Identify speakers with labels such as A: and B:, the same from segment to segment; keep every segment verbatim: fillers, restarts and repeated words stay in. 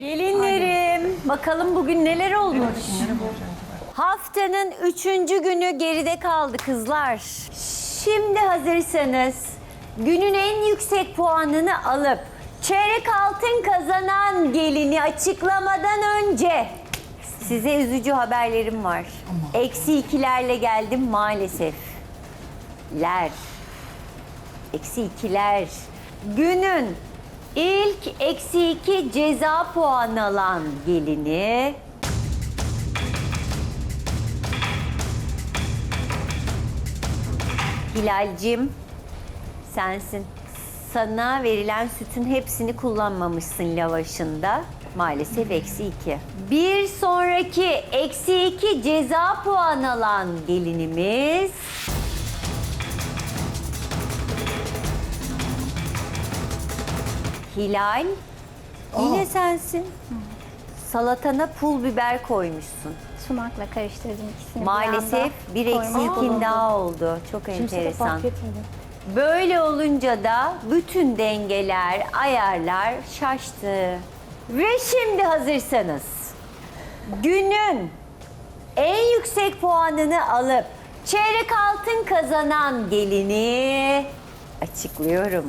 A: Gelinlerim, bakalım bugün neler olmuş? Haftanın üçüncü günü geride kaldı kızlar. Şimdi hazırsanız günün en yüksek puanını alıp çeyrek altın kazanan gelini açıklamadan önce size üzücü haberlerim var. Eksi ikilerle geldim maalesef. Ler. Eksi ikiler. Günün ilk eksi iki ceza puanı alan gelini Hilal'cim sensin. Sana verilen sütün hepsini kullanmamışsın lavaşında. Maalesef eksi iki. Bir sonraki eksi iki ceza puanı alan gelinimiz Hilal. Yine sensin. Salatana pul biber koymuşsun.
B: Sumakla karıştırdım ikisini.
A: Maalesef bir eksi
B: koymam
A: ikin
B: oldu.
A: daha oldu. Çok
B: Kimse de
A: enteresan.
B: fark etmedi.
A: Böyle olunca da bütün dengeler, ayarlar şaştı. Ve şimdi hazırsanız günün en yüksek puanını alıp çeyrek altın kazanan gelini açıklıyorum.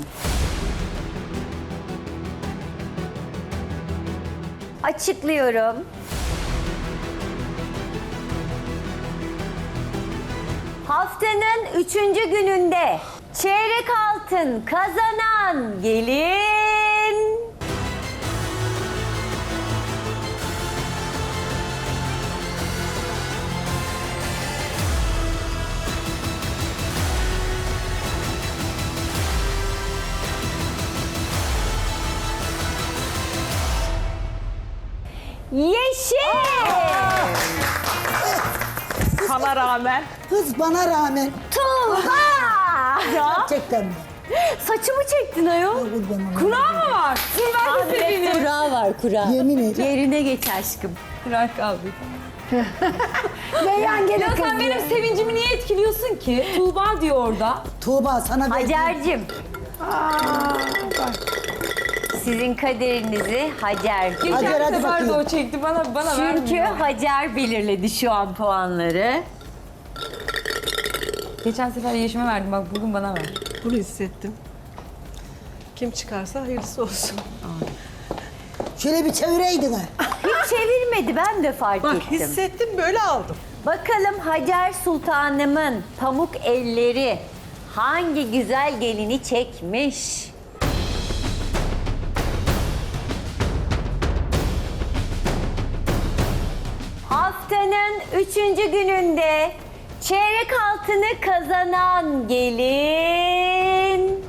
A: Açıklıyorum. Haftanın üçüncü gününde çeyrek altın kazanan gelin... Yeşil!
C: Sana rağmen.
D: Kız bana rağmen
A: Tuğba!
D: gerçekten mi?
A: Saçımı çektin ayol.
D: Kurban olayım.
C: Kura mı var? Dur ben de seveyim.
A: Kura var kura.
D: Yemin ederim.
A: Yerine geç aşkım.
C: Kura kaldı.
D: Leyan gene
C: Ya sen
D: kızıyor.
C: benim sevincimi niye etkiliyorsun ki? Tuğba diyor orada.
D: Tuğba sana verdiğim...
A: Hacer'cim. Sizin kaderinizi Hacer.
C: Geçen
D: Hacer, hadi
C: sefer de
D: bakayım.
C: o çekti bana bana
A: Çünkü
C: vermiyor.
A: Hacer belirledi şu an puanları.
C: Geçen sefer Yeşim'e verdim bak bugün bana ver.
E: Bunu hissettim. Kim çıkarsa hayırlısı olsun.
D: Şöyle bir çevireydin ha.
A: Hiç çevirmedi ben de fark
E: Bak
A: ettim.
E: hissettim böyle aldım.
A: Bakalım Hacer Sultanımın pamuk elleri hangi güzel gelini çekmiş? Haftanın üçüncü gününde çeyrek altını kazanan gelin...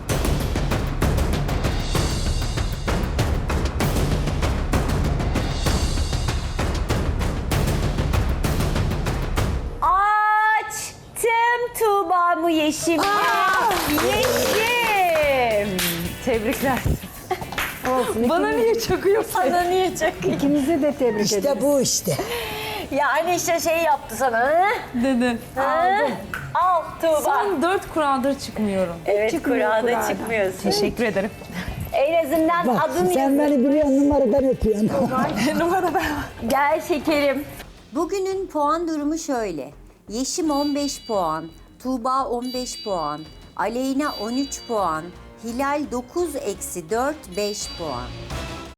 A: Açtım Tuğba'mı Yeşim. Yeşim. Tebrikler.
C: Bana niye çakıyorsun?
A: Sana niye çakıyor?
D: İkimizi de tebrik işte ederiz. bu işte.
A: Yani işte şey yaptı sana. Hı?
C: Dedi.
A: Hı? Al Tuğba.
C: Son dört kuradır çıkmıyorum.
A: Evet kurada çıkmıyorsun.
C: Teşekkür ederim.
A: En azından
D: Bak
A: adını
D: sen
A: yazın.
D: beni biliyorsun numaradan öpüyorsun.
C: Numara ben.
A: Gel şekerim. Bugünün puan durumu şöyle. Yeşim on beş puan, Tuğba on beş puan, Aleyna on üç puan, Hilal dokuz eksi dört beş puan.